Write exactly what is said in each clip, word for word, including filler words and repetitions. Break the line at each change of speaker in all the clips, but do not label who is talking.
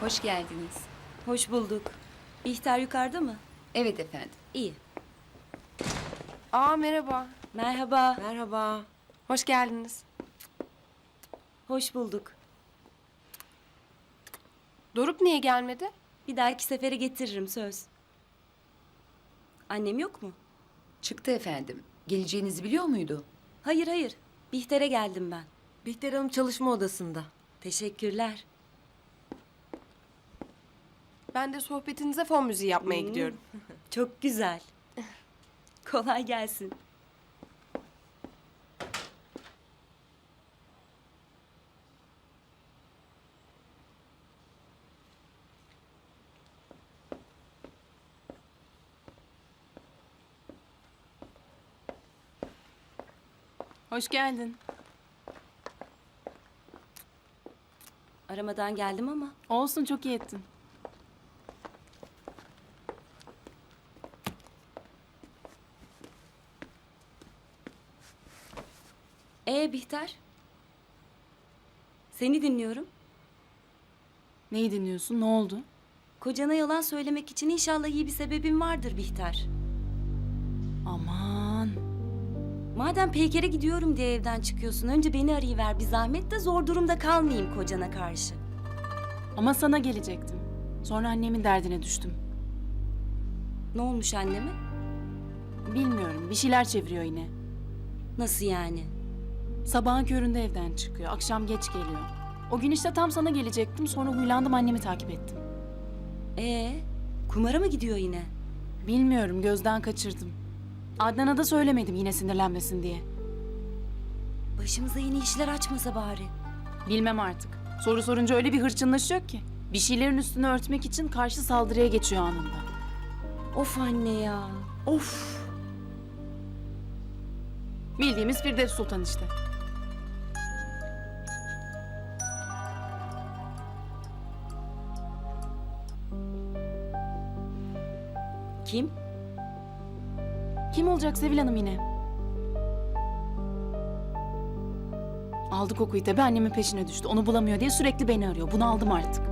Hoş geldiniz.
Hoş bulduk. Bihter yukarıda mı?
Evet efendim.
İyi.
Aa merhaba.
Merhaba.
Merhaba. Hoş geldiniz.
Hoş bulduk.
Doruk niye gelmedi?
Bir dahaki sefere getiririm söz. Annem yok mu?
Çıktı efendim. Geleceğinizi biliyor muydu?
Hayır hayır. Bihter'e geldim ben.
Bihter Hanım çalışma odasında.
Teşekkürler.
Ben de sohbetinize fon müziği yapmaya
Hmm.
gidiyorum.
Çok güzel. Kolay gelsin.
Hoş geldin.
Aramadan geldim ama.
Olsun, çok iyi ettin.
Ee Bihter? Seni dinliyorum.
Neyi dinliyorsun? Ne oldu?
Kocana yalan söylemek için inşallah iyi bir sebebin vardır Bihter.
Aman.
Madem Peyker'e gidiyorum diye evden çıkıyorsun, önce beni arayıver bir zahmet de zor durumda kalmayayım kocana karşı.
Ama sana gelecektim. Sonra annemin derdine düştüm.
Ne olmuş anneme?
Bilmiyorum, bir şeyler çeviriyor yine.
Nasıl yani?
Sabahın köründe evden çıkıyor, akşam geç geliyor. O gün işte tam sana gelecektim, sonra huylandım, annemi takip ettim.
Ee, kumara mı gidiyor yine?
Bilmiyorum, gözden kaçırdım. Adnan'a da söylemedim yine sinirlenmesin diye.
Başımıza yeni işler açmasa bari.
Bilmem artık. Soru sorunca öyle bir hırçınlaşıyor ki. Bir şeylerin üstünü örtmek için karşı saldırıya geçiyor anında.
Of anne ya, of.
Bildiğimiz Firdevs Sultan işte.
Kim?
Kim olacak Sevil Hanım yine? Aldı kokuyu tabii, annemin peşine düştü. Onu bulamıyor diye sürekli beni arıyor. Bunu aldım artık.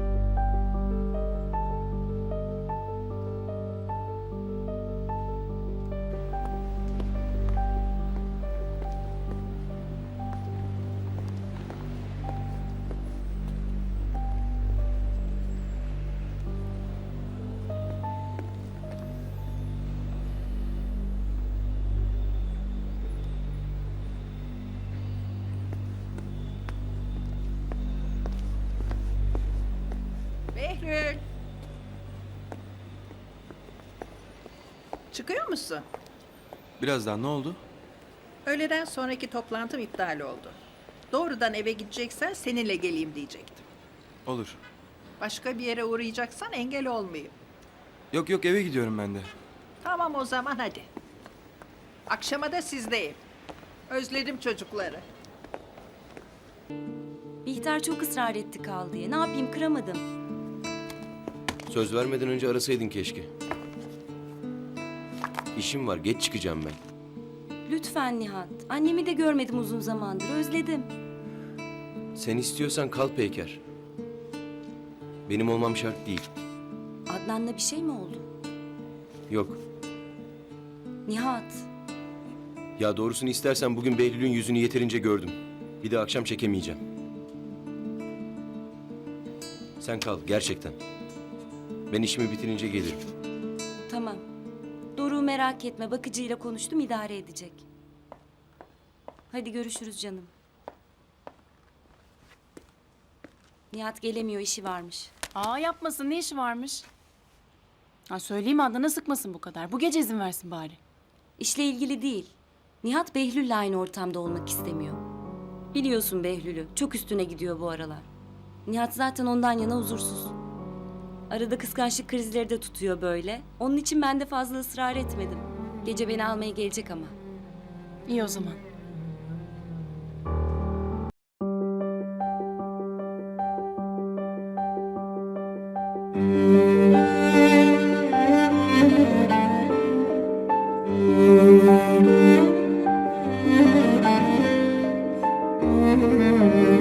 Behlül. Çıkıyor musun?
Birazdan ne oldu?
Öğleden sonraki toplantım iptal oldu. Doğrudan eve gideceksen seninle geleyim diyecektim.
Olur.
Başka bir yere uğrayacaksan engel olmayayım.
Yok yok, eve gidiyorum ben de.
Tamam o zaman hadi. Akşama da sizdeyim. Özledim çocukları.
Bihter çok ısrar etti kal diye. Ne yapayım, kıramadım.
Söz vermeden önce arasaydın keşke. İşim var, geç çıkacağım ben.
Lütfen Nihat. Annemi de görmedim uzun zamandır, özledim.
Sen istiyorsan kal Peyker. Benim olmam şart değil.
Adnan'la bir şey mi oldu?
Yok.
Nihat.
Ya doğrusunu istersen bugün Behlül'ün yüzünü yeterince gördüm. Bir de akşam çekemeyeceğim. Sen kal, gerçekten. Ben işimi bitirince gelirim.
Tamam. Doruk'u merak etme. Bakıcıyla konuştum, idare edecek. Hadi görüşürüz canım. Nihat gelemiyor, işi varmış.
Aa, yapmasın, ne işi varmış? Ha, söyleyeyim Adnan'a, sıkmasın bu kadar. Bu gece izin versin bari.
İşle ilgili değil. Nihat Behlül'le aynı ortamda olmak istemiyor. Biliyorsun Behlül'ü. Çok üstüne gidiyor bu aralar. Nihat zaten ondan yana huzursuz. Arada kıskançlık krizleri de tutuyor böyle. Onun için ben de fazla ısrar etmedim. Gece beni almaya gelecek ama.
İyi o zaman.
Müzik